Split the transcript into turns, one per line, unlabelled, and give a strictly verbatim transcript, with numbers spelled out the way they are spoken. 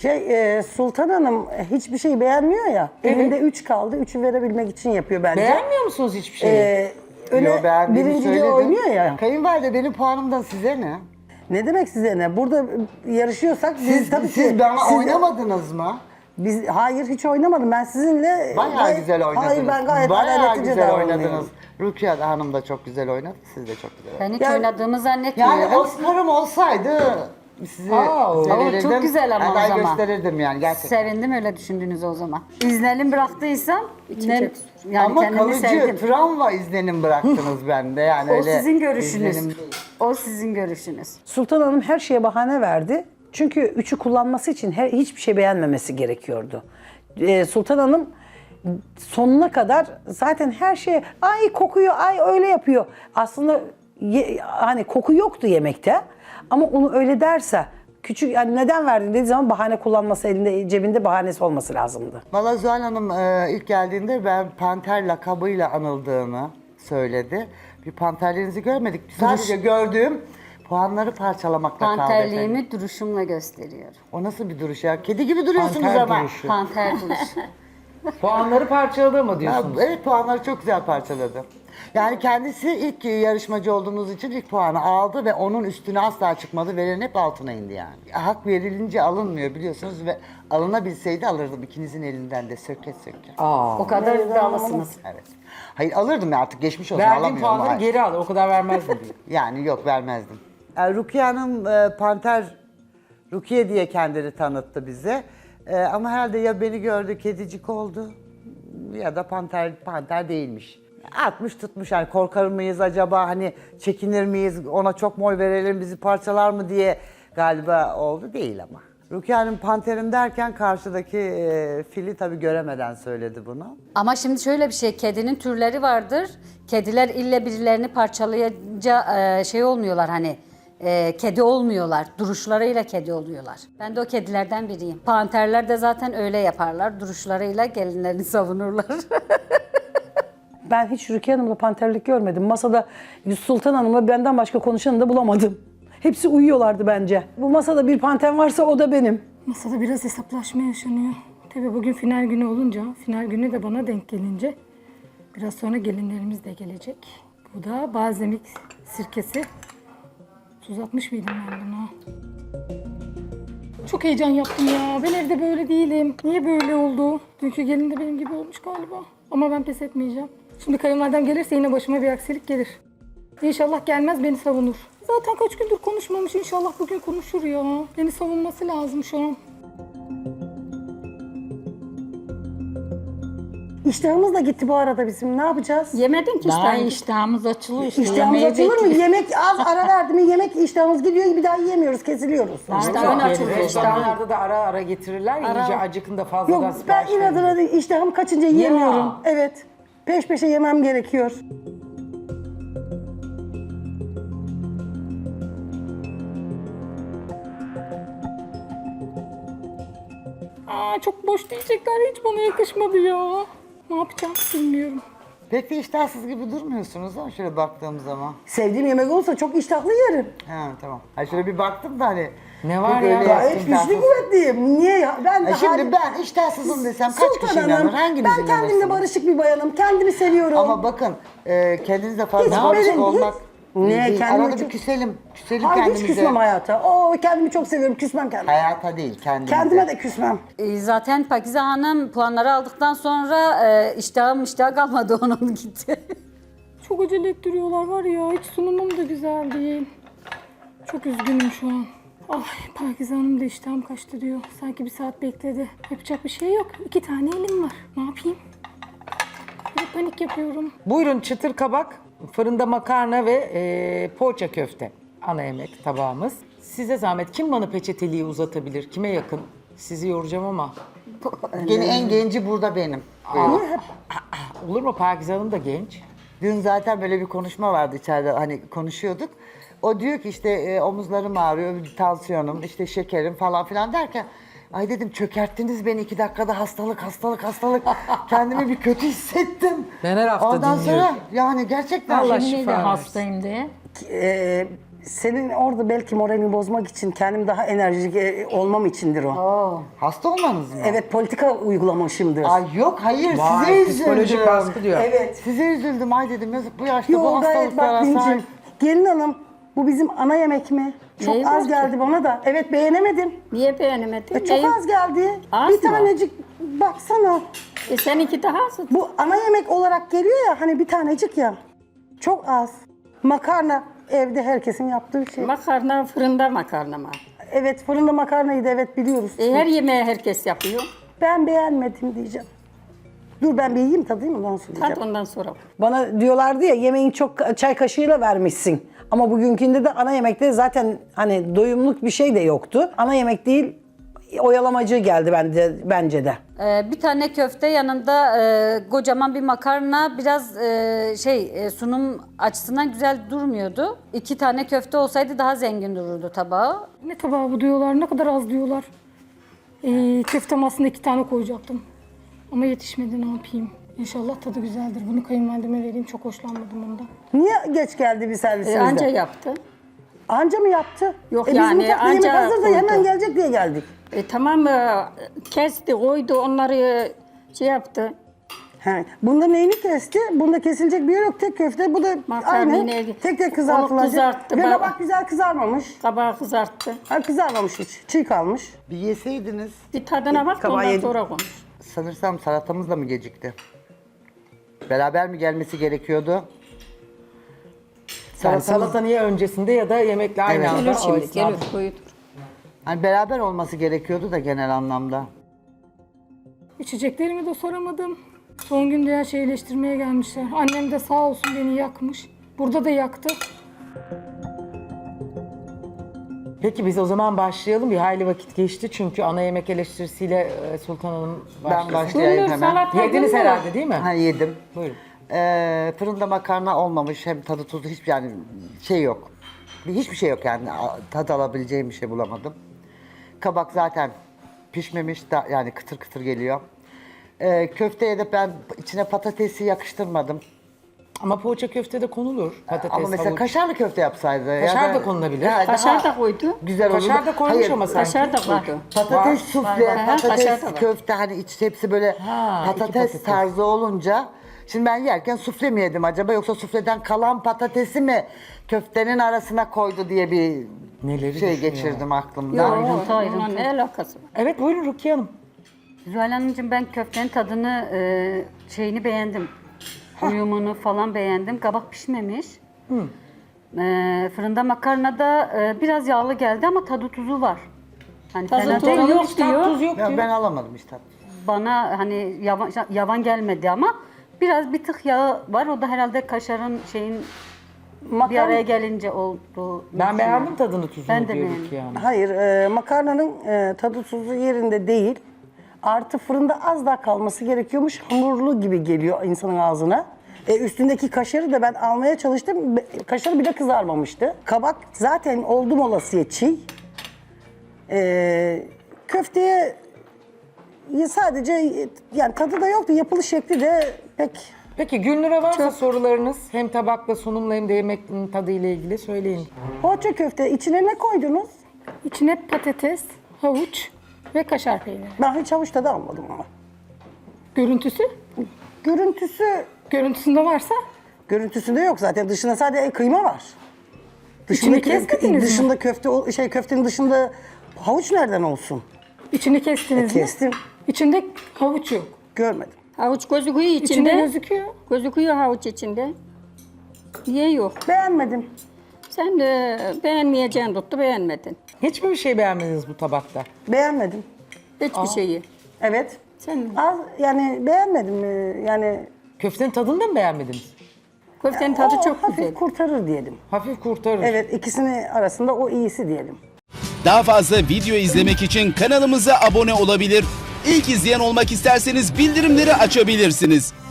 Şey, e, Sultan Hanım hiçbir şey beğenmiyor ya.
Evet.
Elinde üç kaldı. Üçü verebilmek için yapıyor bence.
Beğenmiyor musunuz hiçbir şeyi?
Ee, öne
Yo, beğendiğimi
birinciliği
söyledim.
oynuyor ya.
Kayınvalide benim puanımdan size ne?
Ne demek size ne? Burada yarışıyorsak biz
Siz,
tabii
siz
ki...
bana
siz-
oynamadınız mı?
Biz, hayır hiç oynamadım. Ben sizinle...
Bayağı
gayet-
güzel oynadınız.
Hayır ben gayet
Bayağı
adaletlice
güzel
davranıyorum.
oynadınız. Rukiye Hanım da çok güzel oynadı. Siz de çok güzel oynadınız.
Ben hiç
Yani-
oynadığımı zannetmiyorum.
Yani Oscar'ım olsaydı sizi
Aa,
verirdim.
çok güzel ama o
aday
zaman.
gösterirdim yani gerçekten.
Sevindim öyle düşündüğünüz o zaman. İzlenim bıraktıysam ne, yani
Ama
kendimi
kalıcı
sevdim.
travma izlenim bıraktınız bende yani
O
öyle.
sizin görüşünüz.
izlenim değil.
O sizin görüşünüz.
Sultan Hanım her şeye bahane verdi. Çünkü üçü kullanması için her, hiçbir şey beğenmemesi gerekiyordu. Ee, Sultan Hanım sonuna kadar zaten her şeye ay kokuyor, ay öyle yapıyor. Aslında ye- hani koku yoktu yemekte ama onu öyle derse küçük yani neden verdin dediği zaman bahane kullanması elinde cebinde bahanesi olması lazımdı.
Valla Zuhal Hanım e, ilk geldiğinde ben panter lakabıyla anıldığını söyledi. Bir panterlerinizi görmedik. Sadece gördüğüm puanları parçalamakta kaldı efendim.
Panterliğimi duruşumla gösteriyorum.
O nasıl bir duruş ya? Kedi gibi duruyorsunuz
Panter
ama.
duruşu.
Panter duruşu.
Puanları parçaladı mı
Ya,
diyorsunuz?
evet puanları çok güzel parçaladı. Yani kendisi ilk yarışmacı olduğunuz için ilk puanı aldı ve onun üstüne asla çıkmadı. Veren hep altına indi yani. Hak verilince alınmıyor biliyorsunuz ve alınabilseydi alırdım ikinizin elinden de söke söke.
Aa.
O kadar iddialısınız.
Evet. Hayır alırdım ya artık geçmiş olsun
Verdiğim
alamıyorum.
puanları
Hayır.
geri al. O kadar vermezdim diyor.
Yani yok vermezdim. Yani Rukiye Hanım e, Panter Rukiye diye kendini tanıttı bize. E, ama herhalde ya beni gördü kedicik oldu ya da panter panter değilmiş. Atmış tutmuş yani korkar mıyız acaba hani çekinir miyiz ona çok mu oy verelim bizi parçalar mı diye galiba oldu değil ama. Rukiye Hanım panterim derken karşıdaki e, fili tabii göremeden söyledi bunu.
Ama şimdi şöyle bir şey, kedinin türleri vardır. Kediler ille birilerini parçalayınca e, şey olmuyorlar hani, e, kedi olmuyorlar. Duruşlarıyla kedi oluyorlar. Ben de o kedilerden biriyim. Panterler de zaten öyle yaparlar. Duruşlarıyla gelinlerini savunurlar.
Ben hiç Rukiye Hanım'la panterlik görmedim. Masada Sultan Hanım'la benden başka konuşanı da bulamadım. Hepsi uyuyorlardı bence. Bu masada bir panter varsa o da benim.
Masada biraz hesaplaşma yaşanıyor. Tabii bugün final günü olunca, final günü de bana denk gelince biraz sonra gelinlerimiz de gelecek. Bu da balzamik sirkesi. Tuz atmış mıydım ben buna? Çok heyecan yaptım ya. Ben evde böyle değilim. Niye böyle oldu? Dünkü gelin de benim gibi olmuş galiba. Ama ben pes etmeyeceğim. Şimdi kayınvalidem gelirse yine başıma bir aksilik gelir. İnşallah gelmez beni savunur. Zaten kaç gündür konuşmamış. İnşallah bugün konuşur ya. Beni savunması lazım şu an.
İştahımız da gitti bu arada bizim. Ne yapacağız?
Yemedin ki
Daha
işte.
iştahımız açılıyor işte.
İştahımız
yemeği
açılır mı?
bekliyoruz.
Yemek az ara verdi mi yemek iştahımız gidiyor bir daha yiyemiyoruz, kesiliyoruz.
İştahın açılıyor.
Restoranlarda da ara ara getirirler. ya, İyice acıkında fazladan
Yok ben
sipariş verin.
inadına değil, iştahım kaçınca yiyemiyorum.
Ya.
Evet. Peş peşe yemem gerekiyor.
Aa, çok boş diyecekler. Hiç bana yakışmadı ya. Ne yapacağım bilmiyorum.
Pek de iştahsız gibi durmuyorsunuz ama şöyle baktığım zaman.
Sevdiğim yemek olursa çok iştahlı yerim.
Ha tamam. Ha şöyle bir baktım da hani.
Ne var
bir
ya?
böyle
Gayet
iştahsız.
güçlü kuvvetliyim. Niye ya? Ben de
Ha, şimdi
hal-
ben iştahsızım desem kaç
Sultan
kişi
Hanım,
inanır? Hanginiz
ben kendimle
inanırsınız?
barışık bir bayanım. Kendimi seviyorum.
Ama bakın e, kendinizle fazla
Hiç
barışık
benim-
olmak.
hiç- Niye?
değil.
Kendimi
Arada
çok-
bir küselim. Küselim
Hayır hiç
kendimize.
küsmem hayata. Oo, kendimi çok seviyorum. Küsmem kendime.
Hayata değil kendimize.
Kendime de küsmem.
E, Zaten Pakize Hanım puanları aldıktan sonra e, iştahım iştah kalmadı onun gitti.
Çok acele ettiriyorlar var ya. Hiç sunumum da güzel değil. Çok üzgünüm şu an. Ay Pakize Hanım da iştahım kaçtı diyor. Sanki bir saat bekledi. Yapacak bir şey yok. İki tane elim var. Ne yapayım? Bir panik yapıyorum.
Buyurun çıtır kabak, fırında makarna ve e, poğaça köfte. Ana yemek tabağımız. Size zahmet kim bana peçeteliği uzatabilir? Kime yakın? Sizi yoracağım ama.
Gene en genci burada benim.
Olur mu? Pakize Hanım da genç.
Dün zaten böyle bir konuşma vardı içeride hani konuşuyorduk. O diyor ki işte e, omuzlarım ağrıyor, tansiyonum, işte şekerim falan filan derken ay dedim çökerttiniz beni iki dakikada hastalık hastalık hastalık. Kendimi bir kötü hissettim.
Ben her hafta
Ondan
dinliyorum.
sonra yani gerçekten
Allah
Yemin
şifa
ederim
versin.
hastayım diye.
Ee, Senin orada belki moralini bozmak için, kendim daha enerjik e, olmam içindir o.
Hasta olmanız mı?
Evet, politika uygulamışımdır.
Ay yok hayır
Vay,
size üzüldüm.
psikolojik baskı diyor.
Evet.
Size üzüldüm ay dedim yazık bu yaşta bu
Yok gayet
hastalıklara
bak
sahip.
Dincim, gelin hanım bu bizim ana yemek mi? Çok
Neyi
az
var ki?
geldi bana da. Evet beğenemedim.
Niye beğenemedin?
E, çok
Neyi-
az geldi.
Az
bir
mı?
tanecik baksana.
E seninki daha az.
Bu ana yemek olarak geliyor ya hani bir tanecik ya. Çok az. Makarna evde herkesin yaptığı şey.
Makarna fırında makarna mı?
Evet fırında makarnaydı evet biliyoruz.
E, her yemeği herkes yapıyor.
Ben beğenmedim diyeceğim. Dur ben bir yiyeyim tadayım ondan sonra diyeceğim.
Tat ondan sonra.
Bana diyorlardı ya yemeğin çok çay kaşığıyla vermişsin. Ama bugünkünde de ana yemekte zaten hani doyumluk bir şey de yoktu. Ana yemek değil oyalamacı geldi bence, bence de.
Ee, bir tane köfte yanında e, kocaman bir makarna biraz e, şey e, sunum açısından güzel durmuyordu. İki tane köfte olsaydı daha zengin dururdu tabağı.
Ne tabağı bu diyorlar, ne kadar az diyorlar. Ee, köftem aslında iki tane koyacaktım. Ama yetişmedi, ne yapayım. İnşallah tadı güzeldir. Bunu kayınvalideme vereyim, çok hoşlanmadım ondan.
Niye geç geldi bir
E,
servisimizde?
anca yaptı.
Anca mı yaptı?
Yok
e, biz
yani,
mutfakta yemek
anca
hazır da
koydu.
hemen gelecek diye geldik.
E, tamam e, kesti, koydu, onları şey yaptı.
He. Bunda neyini kesti? Bunda kesilecek bir yer yok. Tek köfte. Bu da
Makarnayı
aynı.
neydi?
Tek tek
Onu
kızartılacak.
kızarttı,
Ve
bak-
kabak güzel kızarmamış.
Kabağı kızarttı.
Ha, kızarmamış hiç. Çiğ kalmış.
Bir yeseydiniz
Bir tadına bak da
Kabağı
ondan
yedim.
sonra konuş.
sanırsam salatamız da mı gecikti? Beraber mi gelmesi gerekiyordu?
Yani
Salatamız-
salata niye öncesinde ya da yemekle aynı
Evet.
anda?
Gelir
o
şimdi,
esnada.
gelir, koyudur.
Hani beraber olması gerekiyordu da genel anlamda.
İçeceklerimi de soramadım. Son günde her şeyi eleştirmeye gelmişler. Annem de sağ olsun beni yakmış. Burada da yaktı.
Peki biz o zaman başlayalım. Bir hayli vakit geçti çünkü ana yemek eleştirisiyle e, Sultan Hanım
Ben
başlasın.
başlayayım
Gündüz
hemen.
salata
Yediniz
gündüz.
herhalde değil mi?
Ha yedim.
Buyurun.
Ee, fırında makarna olmamış hem tadı tuzu hiçbir yani şey yok. Bir- Hiçbir şey yok yani A- tad alabileceğim bir şey bulamadım. Kabak zaten pişmemiş da yani kıtır kıtır geliyor. Ee, köfteye de ben içine patatesi yakıştırmadım.
Ama poğaça köfte de konulur. Patates,
Ama mesela
havuç.
kaşarlı köfte yapsaydı.
Kaşar
ya
da konulabilir.
Ya
Kaşar
daha
da koydu.
Güzel olurdu.
Kaşar da koymuş
Hayır,
ama sanki.
Kaşar da koydu.
Patates
Var.
sufle,
Var. Aha,
patates
kaşar da var.
köfte hani iç hepsi böyle
Ha, iki
patates,
patates.
tarzı olunca şimdi ben yerken sufle mi yedim acaba yoksa sufleden kalan patatesi mi köftenin arasına koydu diye bir
Neleri
şey
düşünüyor?
geçirdim aklımdan.
Ayrıntı, ayrıntı.
Onunla ne alakası var?
Evet buyurun Rukiye Hanım.
Zuhal Hanımcığım ben köftenin tadını, e, şeyini beğendim. Uyumunu falan beğendim. Kabak pişmemiş. E, fırında makarna da e, biraz yağlı geldi ama tadı tuzu var. Hani
Tadı
fena
tuzu
değil.
yok
Hiç
diyor.
tat tuz yok
Ya
diyor.
ben alamadım işte.
Bana hani yavan, yavan gelmedi ama biraz bir tık yağı var. O da herhalde kaşarın şeyin bir araya gelince oldu.
Ben beğendim tadını tuzunu
Ben de
diyor
beğendim.
Rukiye Hanım.
Hayır, e, makarnanın e, tadı tuzu yerinde değil. Artı fırında az daha kalması gerekiyormuş. Hamurlu gibi geliyor insanın ağzına. E, üstündeki kaşarı da ben almaya çalıştım. Be- Kaşarı bile kızarmamıştı. Kabak zaten oldum olasıya çiğ. E, köfteye ya sadece e, yani tadı da yoktu. Yapılış şekli de pek...
Peki Gülnur'a varsa sorularınız hem tabakla sunumla hem de yemeğin tadıyla ilgili söyleyin.
Poğaça köfte içine ne koydunuz?
İçine patates, havuç ve kaşar peyniri.
Ben hiç havuç tadı almadım ama.
Görüntüsü?
Görüntüsü
Görüntüsünde varsa
Görüntüsünde yok zaten. Dışında sadece kıyma var.
İçini
Dışındaki-
kesmediniz mi?
dışında köfte ol- şey köftenin dışında havuç nereden olsun?
içini kestiniz
E,
mi?
kestim.
İçinde havuç yok.
Görmedim.
Havuç gözüküyor
İçinde
içinde.
gözüküyor.
Gözüküyor havuç içinde. Niye yok?
Beğenmedim.
Sen de beğenmeyeceğin tuttu, beğenmedin.
Hiç mi bir şey beğenmediniz bu tabakta?
Beğenmedim.
Hiçbir şeyi.
Evet.
Sen
Az yani beğenmedim. Ee, Yani
Köftenin tadını da mı beğenmediniz?
köftenin tadı
o
çok
hafif
güzel.
kurtarır diyelim.
Hafif kurtarır.
Evet, ikisini arasında o iyisi diyelim.
Daha fazla video izlemek için kanalımıza abone olabilir. İlk izleyen olmak isterseniz bildirimleri açabilirsiniz.